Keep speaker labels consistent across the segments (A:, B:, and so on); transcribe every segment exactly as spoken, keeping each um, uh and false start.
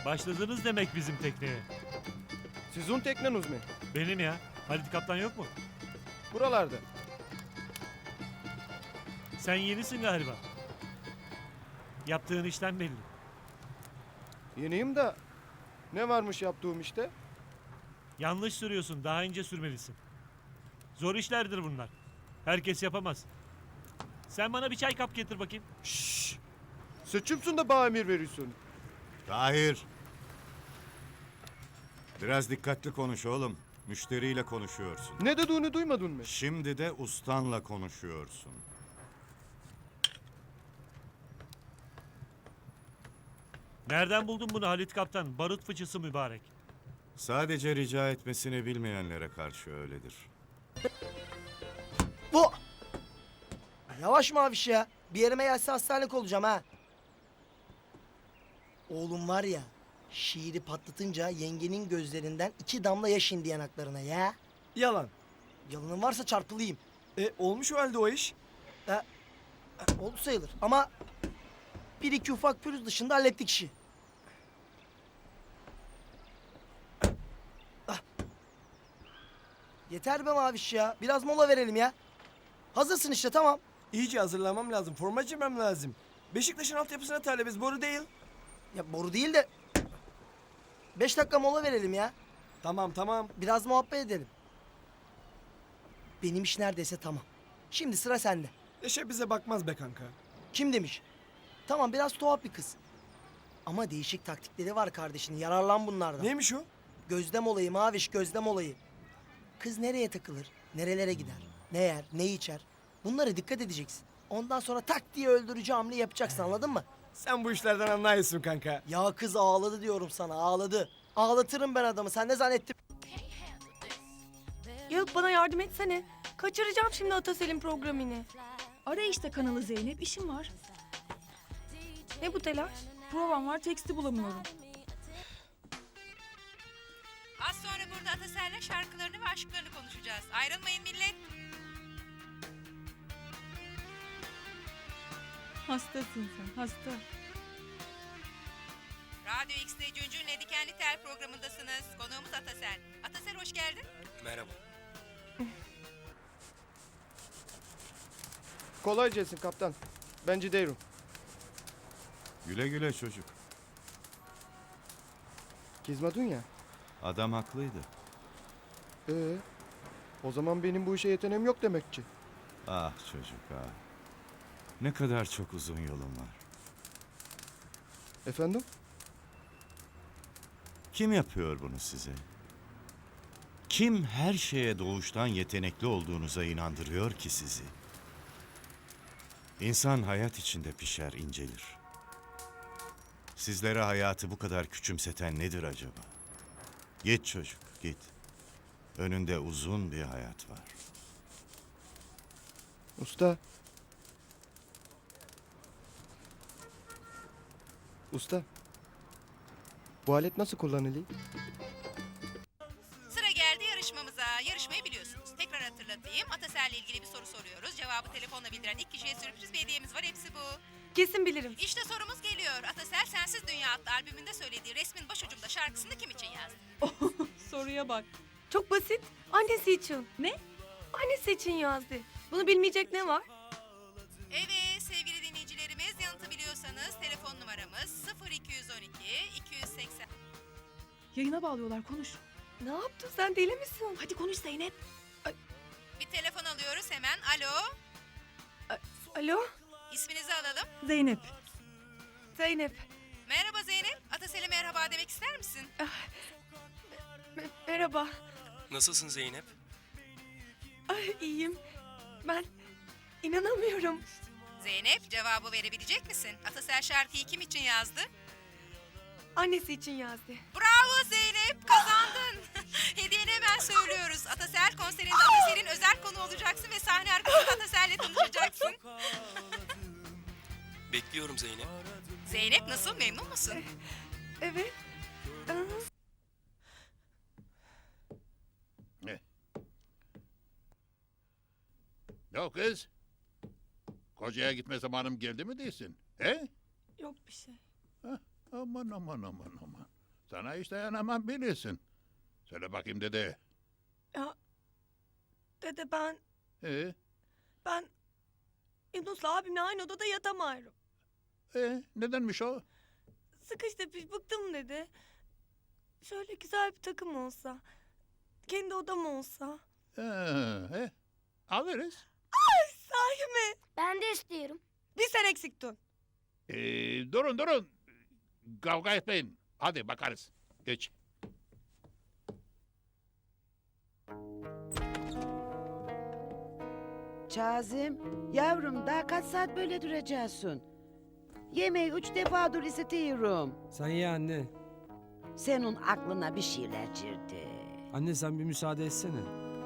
A: Başladınız demek bizim tekneye.
B: Sizin tekneniz mi?
A: Benim ya. Halit Kaptan yok mu?
B: Buralarda.
A: Sen yenisin galiba. Yaptığın işten belli.
B: Yeniyim de ne varmış yaptığım işte?
A: Yanlış sürüyorsun. Daha ince sürmelisin. Zor işlerdir bunlar. Herkes yapamaz. Sen bana bir çay kap getir bakayım.
B: Şşş. Seçimsin de bana emir veriyorsun.
C: Tahir. Biraz dikkatli konuş oğlum. Müşteriyle konuşuyorsun.
B: Ne dediğini duymadın mı?
C: Şimdi de ustanla konuşuyorsun.
A: Nereden buldun bunu Halit Kaptan? Barut fıçısı mübarek.
C: Sadece rica etmesini bilmeyenlere karşı öyledir.
D: Bu! Yavaş Maviş ya. Bir yerime gelse hastanelik olacağım ha. Oğlum var ya, şiiri patlatınca yengenin gözlerinden iki damla yaş indi yanaklarına ya.
E: Yalan.
D: Yalanın varsa çarpılayım.
E: E olmuş o halde o iş.
D: E, e, oldu sayılır ama bir iki ufak pürüz dışında hallettik işi. Ah. Yeter be Maviş ya. Biraz mola verelim ya. Hazırsın işte, tamam.
E: İyice hazırlamam lazım. Forma giymem lazım. Beşiktaş'ın altyapısına talibiz. Boru değil.
D: Ya boru değil de beş dakika mola verelim ya.
E: Tamam tamam.
D: Biraz muhabbet edelim. Benim iş neredeyse tamam. Şimdi sıra sende.
E: Eşe bize bakmaz be kanka.
D: Kim demiş? Tamam, biraz tuhaf bir kız. Ama değişik taktikleri var kardeşinin. Yararlan bunlardan.
E: Neymiş o?
D: Gözlem olayı Maviş, gözlem olayı. Kız nereye takılır? Nerelere gider? Ne yer? Ne içer? Bunlara dikkat edeceksin. Ondan sonra tak diye öldürücü hamle yapacaksın, anladın mı?
E: Sen bu işlerden anlıyorsun kanka.
D: Ya kız ağladı diyorum sana, ağladı. Ağlatırım ben adamı. Sen ne zannettin?
F: Yağık, bana yardım etsene. Kaçıracağım şimdi Atasel'in programını.
G: Ara işte kanalı Zeynep, işim var.
F: Ne bu telaş?
G: Provam var, teksti bulamıyorum.
H: Az sonra burada Atasel'le şarkılarını ve aşklarını konuşacağız. Ayrılmayın millet.
G: Hastasın sen, hasta.
H: Radyo X'te Cüncün'le Dikenli Tel programındasınız. Konuğumuz Atasel. Atasel hoş geldin.
E: Merhaba.
B: Kolay gelsin kaptan. Ben gidiyorum.
C: Güle güle çocuk.
B: Kızmadın ya.
C: Adam haklıydı.
B: Ee, o zaman benim bu işe yeteneğim yok demek ki.
C: Ah çocuk ah. Ne kadar çok uzun yolun var.
B: Efendim?
C: Kim yapıyor bunu size? Kim her şeye doğuştan yetenekli olduğunuza inandırıyor ki sizi? İnsan hayat içinde pişer, incelir. Sizlere hayatı bu kadar küçümseten nedir acaba? Git çocuk, git. Önünde uzun bir hayat var.
B: Usta. Usta. Bu alet nasıl kullanılıyor?
H: Sıra geldi yarışmamıza. Yarışmayı biliyorsunuz. Tekrar hatırlatayım. Atasel'le ilgili bir soru soruyoruz. Cevabı telefonla bildiren ilk kişiye sürpriz bir hediyemiz var. Hepsi bu.
F: Kesin bilirim.
H: İşte sorumuz geliyor. Atasel Sensiz Dünya adlı albümünde söylediği resmin başucumda şarkısını kim için yazdı?
G: Soruya bak.
F: Çok basit. Annesi için.
G: Ne?
F: Annesi için yazdı. Bunu bilmeyecek ne var?
H: Evet sevgili dinleyicilerimiz, yanıtı biliyorsanız telefon numaramız sıfır iki on iki iki yüz seksen.
G: Yayına bağlıyorlar, konuş.
F: Ne yaptın sen, deli misin?
G: Hadi konuş Zeynep.
H: Bir telefon alıyoruz hemen. Alo.
F: Alo?
H: İsminizi alalım.
G: Zeynep.
F: Zeynep.
H: Merhaba Zeynep. Atasel'e merhaba demek ister misin?
F: Me- merhaba.
I: Nasılsın Zeynep?
F: Ay, iyiyim. Ben inanamıyorum.
H: Zeynep, cevabı verebilecek misin? Atasel şarkıyı kim için yazdı?
F: Annesi için yazdı.
H: Bravo Zeynep, kazandın. Hediyeni hemen söylüyoruz. Atasel konserinde Atasel'in özel konu olacaksın ve sahne arkasında Atasel'le tanışacaksın.
I: Bekliyorum Zeynep.
H: Zeynep nasıl, memnun musun?
F: Evet. Aa,
J: Ne o kız? Kocaya gitme zamanım geldi mi değilsin? He?
F: yok bir şey.
J: Aman aman aman aman. Sana hiç dayanamam bilirsin. Söyle bakayım dede.
F: Ya dede ben
J: Ee,
F: ben Yunus'la abimle aynı odada yatamıyorum.
J: ee, nedenmiş o?
F: Sıkış tepiş bıktım dedi. Şöyle güzel bir takım olsa. Kendi odam olsa.
J: Ee, he, alırız.
F: Sahi mi?
K: Ben de istiyorum.
F: Bir sen eksiktin.
J: Ee, durun durun. Kavga etmeyin. Hadi bakarız. Geç.
L: Kazım, yavrum daha kaç saat böyle duracaksın? Yemeği üç defa dur istiyorum.
E: Sen ye anne.
L: Senin aklına bir şeyler girdi.
E: Anne sen bir müsaade etsene.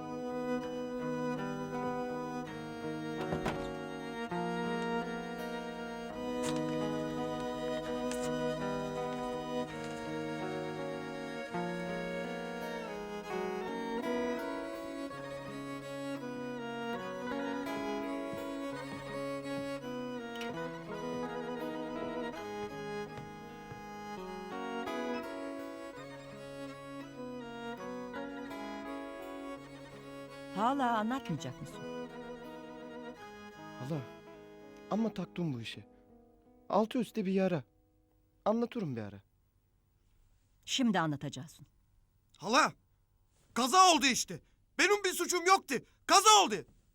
L: Hala anlatmayacak mısın?
B: Hala. Ama taktım bu işe. Altı üstte bir yara. Anlatırım bir ara.
L: Şimdi anlatacaksın.
E: Hala! Kaza oldu işte. Benim bir suçum yoktu. Kaza oldu.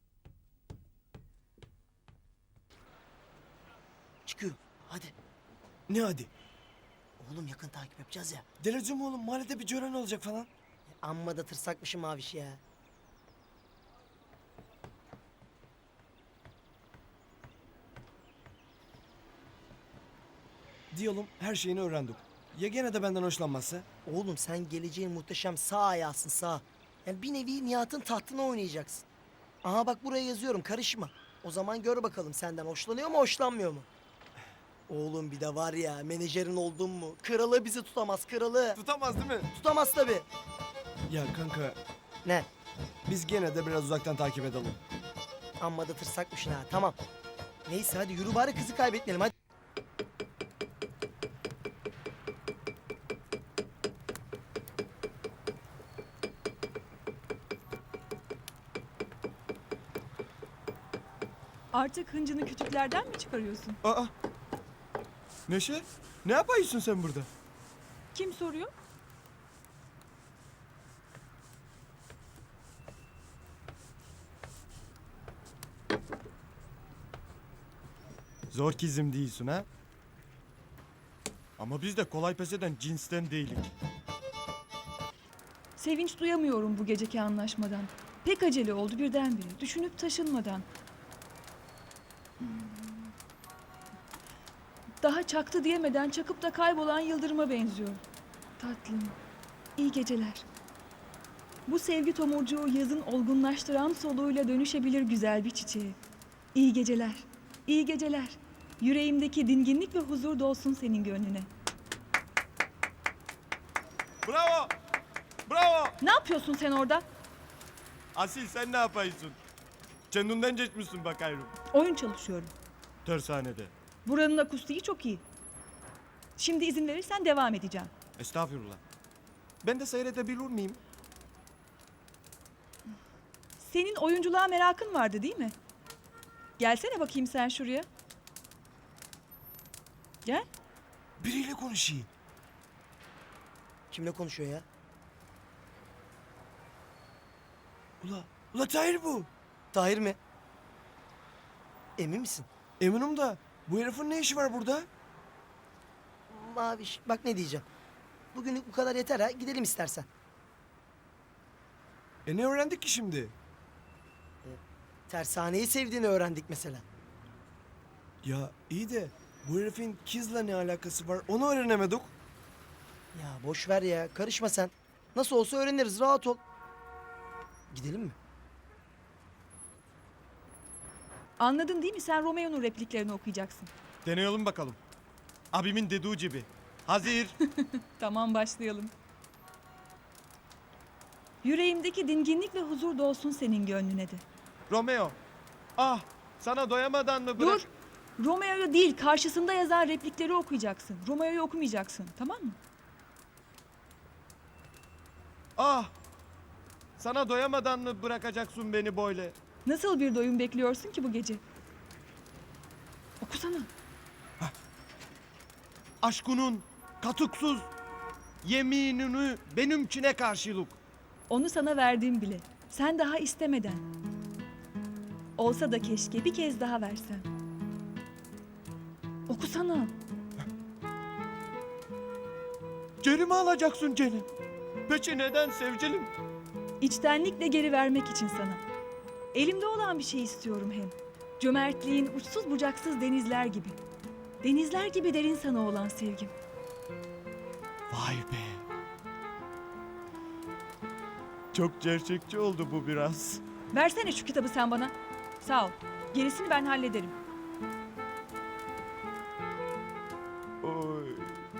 D: Çıkıyor. Hadi.
E: Ne hadi?
D: Oğlum yakın takip yapacağız ya.
E: Delireceğim oğlum. Mahallede bir gören olacak falan.
D: Amma da tırsakmışım Maviş ya.
E: Diyelim her şeyini öğrendik. Ya gene de benden hoşlanmazsa?
D: Oğlum sen geleceğin muhteşem sağ ayağısın sağ. Yani bir nevi Nihat'ın tahtına oynayacaksın. Aha bak buraya yazıyorum karışma. O zaman gör bakalım senden hoşlanıyor mu hoşlanmıyor mu? Oğlum bir de var ya menajerin oldun mu? Kralı bizi tutamaz kralı.
E: Tutamaz değil mi?
D: Tutamaz tabii.
E: Ya kanka
D: Ne?
E: biz gene de biraz uzaktan takip edelim.
D: Amma da tırsakmışsın ha tamam. Neyse hadi yürü bari kızı kaybetmeyelim hadi.
G: Artık hıncını kütüklerden mi çıkarıyorsun?
E: Aa! Neşe? Ne yapıyorsun sen burada?
G: Kim soruyor?
E: Zor kizim değilsin ha? Ama biz de kolay pes eden cinsten değilik.
G: Sevinç duyamıyorum bu geceki anlaşmadan. Pek acele oldu birdenbire. Düşünüp taşınmadan. Hmm. Daha çaktı diyemeden çakıp da kaybolan yıldırıma benziyor. Tatlım. İyi geceler. Bu sevgi tomurcuğu yazın olgunlaştıran soluğuyla dönüşebilir güzel bir çiçeğe. İyi geceler. İyi geceler. Yüreğimdeki dinginlik ve huzur dolsun senin gönlüne.
E: Bravo! Bravo!
G: Ne yapıyorsun sen orada?
E: Asil sen ne yapıyorsun? Kendinden geçmişsin bakayım.
G: Oyun çalışıyorum.
E: Tersanede.
G: Buranın akustiği çok iyi. Şimdi izin verirsen devam edeceğim.
E: Estağfurullah. Ben de seyredebilir miyim?
G: Senin oyunculuğa merakın vardı değil mi? Gelsene bakayım sen şuraya. Gel.
E: Biriyle konuşayım.
D: Kimle konuşuyor ya?
E: Ula, ula Tahir bu.
D: Tahir mi? Emin misin?
E: Eminim da bu herifin ne işi var burada?
D: Maviş bak ne diyeceğim. Bugünlük bu kadar yeter ha gidelim istersen.
E: E ne öğrendik ki şimdi?
D: Tersaneyi sevdiğini öğrendik mesela.
E: Ya iyi de bu herifin kızla ne alakası var onu öğrenemedik.
D: Ya boş ver ya karışma sen. Nasıl olsa öğreniriz rahat ol. Gidelim mi?
G: Anladın değil mi? Sen Romeo'nun repliklerini okuyacaksın.
E: Deneyelim bakalım. Abimin dediği gibi. Hazır.
G: Tamam başlayalım. Yüreğimdeki dinginlik ve huzur dolsun senin gönlüne de.
E: Romeo. Ah sana doyamadan mı bırak?
G: Dur. Romeo'yu değil, karşısında yazan replikleri okuyacaksın. Romeo'yu okumayacaksın, tamam mı?
B: Ah! Sana doyamadan mı bırakacaksın beni böyle?
G: Nasıl bir doyum bekliyorsun ki bu gece? Okusana.
B: Aşkının katuksuz yeminini benimkine karşılık.
G: Onu sana verdim bile. Sen daha istemeden. Olsa da keşke bir kez daha versen. Okusana.
B: Geri mi alacaksın Celim? Peki neden sevgilim?
G: İçtenlikle geri vermek için sana. Elimde olan bir şey istiyorum hem. Cömertliğin uçsuz bucaksız denizler gibi. Denizler gibi derin sana olan sevgim.
B: Vay be. Çok gerçekçi oldu bu biraz.
G: Versene şu kitabı sen bana. Sağ ol. Gerisini ben hallederim.